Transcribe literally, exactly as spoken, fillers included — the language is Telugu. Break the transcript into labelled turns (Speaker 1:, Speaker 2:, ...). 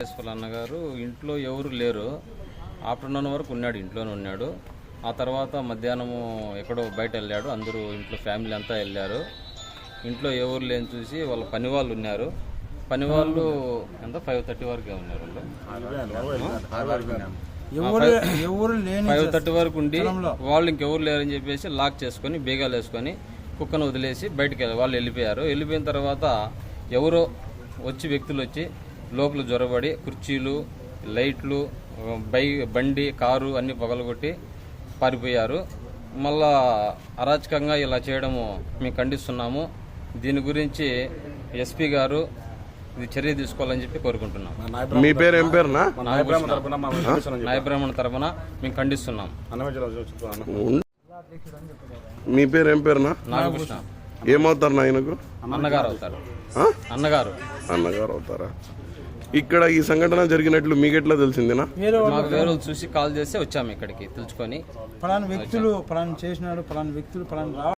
Speaker 1: వెంకటేశ్వర అన్నగారు ఇంట్లో ఎవరు లేరు. ఆఫ్టర్నూన్ వరకు ఉన్నాడు, ఇంట్లోనే ఉన్నాడు. ఆ తర్వాత మధ్యాహ్నము ఎక్కడో బయట వెళ్ళాడు. అందరూ ఇంట్లో ఫ్యామిలీ అంతా వెళ్ళారు. ఇంట్లో ఎవరు లేని చూసి వాళ్ళ పని వాళ్ళు ఉన్నారు. పని వాళ్ళు ఎంత ఫైవ్ థర్టీ వరకే ఉన్నారు. ఫైవ్ థర్టీ వరకు ఉండి వాళ్ళు ఇంకెవరు లేరని చెప్పేసి లాక్ చేసుకొని బీగాలు వేసుకొని కుక్కను వదిలేసి బయటకు వెళ్ళి వాళ్ళు వెళ్ళిపోయారు. వెళ్ళిపోయిన తర్వాత ఎవరో వచ్చి వ్యక్తులు వచ్చి లోపల జ్వరబడి కుర్చీలు, లైట్లు, బై బండి, కారు అన్నీ పగలగొట్టి పారిపోయారు. మళ్ళా అరాచకంగా ఇలా చేయడము మేము ఖండిస్తున్నాము. దీని గురించి ఎస్పీ గారు ఇది చర్య తీసుకోవాలని చెప్పి కోరుకుంటున్నాం.
Speaker 2: మీ పేరు ఏం పేరునా?
Speaker 1: నాయబ్రాహ్మణ తరపున మేము ఖండిస్తున్నాం.
Speaker 2: మీ పేరు ఏం పేరునా?
Speaker 1: నాగకృష్ణ.
Speaker 2: ఏమవుతారు నాయనకు?
Speaker 1: అన్నగారు అవుతారు. అన్నగారు
Speaker 2: అన్నగారు అవుతారా? ఇక్కడ ఈ సంఘటన జరిగినట్లు మీకెట్లా తెలిసిందేనా?
Speaker 1: మాకు వేరే చూసి కాల్ చేస్తే వచ్చాము ఇక్కడికి తెలుసుకొని.
Speaker 3: ఫలానా వ్యక్తులు ఫలానా చేసినాడు, ఫలానా వ్యక్తులు ఫలానా